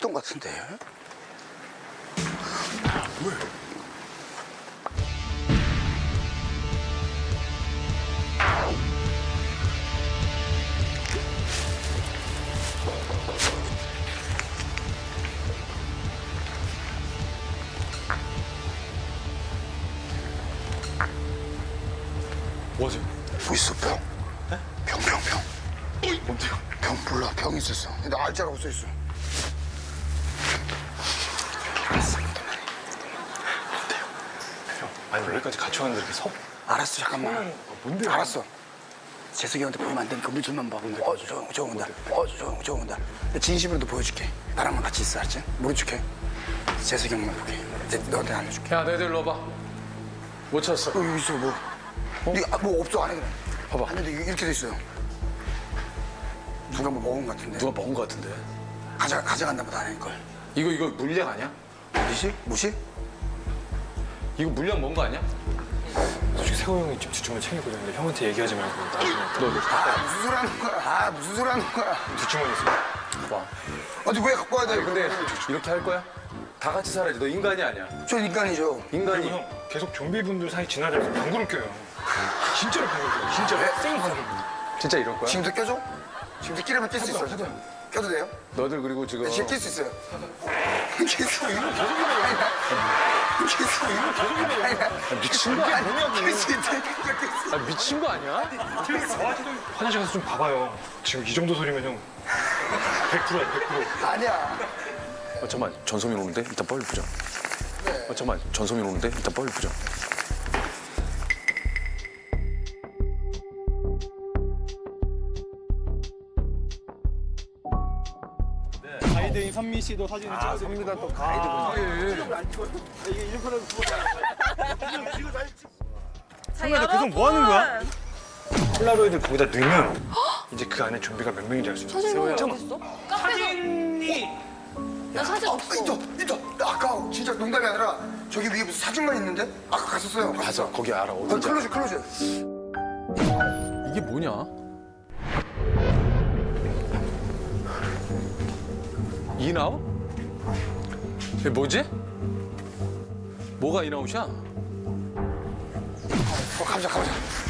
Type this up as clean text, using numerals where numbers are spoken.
했던 것 같은데. 왜? 뭐지? 뭐 있어, 병. 네? 병. 뭔데요? 병 몰라, 병 있었어. 근데 알자라고 써있어. 알았어, 그만해. 뭔데요? 형, 아니 여기까지 같이 왔는데 이렇게 섭? 알았어, 잠깐만. 뭔데요? 알았어. 재석이 형한테 보이면 안 되니까 우리 둘만 봐. 저 온다. 저 온다. 근데 진심으로도 보여줄게. 나랑만 같이 있어, 알았지? 모른 척해. 재석이 형만 보게. 이제 너한테 알려줄게. 야, 너희들 일로 와봐. 못 찾았어. 여기 있어, 뭐. 이거 뭐 없어, 안에 그래. 봐봐. 안에도 이렇게 돼 있어요. 누가 뭐 먹은 것 같은데. 누가 먹은 거 같은데. 가져간다 보다 안 할걸. 이거 물량 아니야? 무시? 이거 물량 먹은 거 아니야? 솔직히 세호 형이 집 주춤을 챙기고 있는데 형한테 얘기하지 말고 나중에 너 무슨 소리 하는 거야? 무슨 소리 하는 거야? 뒷주머니 있어. 봐. 아니, 왜 갖고 와야 돼? 근데 이렇게 할 거야? 다 같이 살아야지. 너 인간이 아니야. 저 인간이죠. 인간이. 그리고 형 계속 좀비분들 사이 지나다니면서 방구를 껴요. 진짜로 방구를 껴요. 진짜로 왜? 생 방구. 진짜 이럴 거야? 지금도 껴줘? 지금도 끼려면 낄 수 있어. 껴도 돼요? 너들 그리고 지금 지금 낄 수 있어요. 낄수 있는 미친 거 아니야? 낄수 있다. 아, 미친 거 아니야? 화장실 가서 좀 봐봐요. 지금 이 정도 소리면 형 100%야 100%. 아니야. 잠깐만, 전소민 오는데? 이따 빨리 보자. 잠깐만, 전소민 오는데? 이따 빨리 보자. 가이드인 선미 씨도 사진을 찍어서 선미가 또 가이드구나. 선미야 계속 뭐 하는 거야? 폴라로이드 거기다 넣으면 이제 그 안에 좀비가 몇 명인지 알 수 있어. 사진이 어딨어? 나 사진 없어. 있어. 아까 진짜 농담이 아니라 저기 위에 무슨 사진만 있는데? 아까 갔었어요. 맞아, 거기 알아. 어딘지 알아. 클로즈. 이게 뭐냐? 인아웃? 이게 뭐지? 뭐가 인아웃이야? 가보자.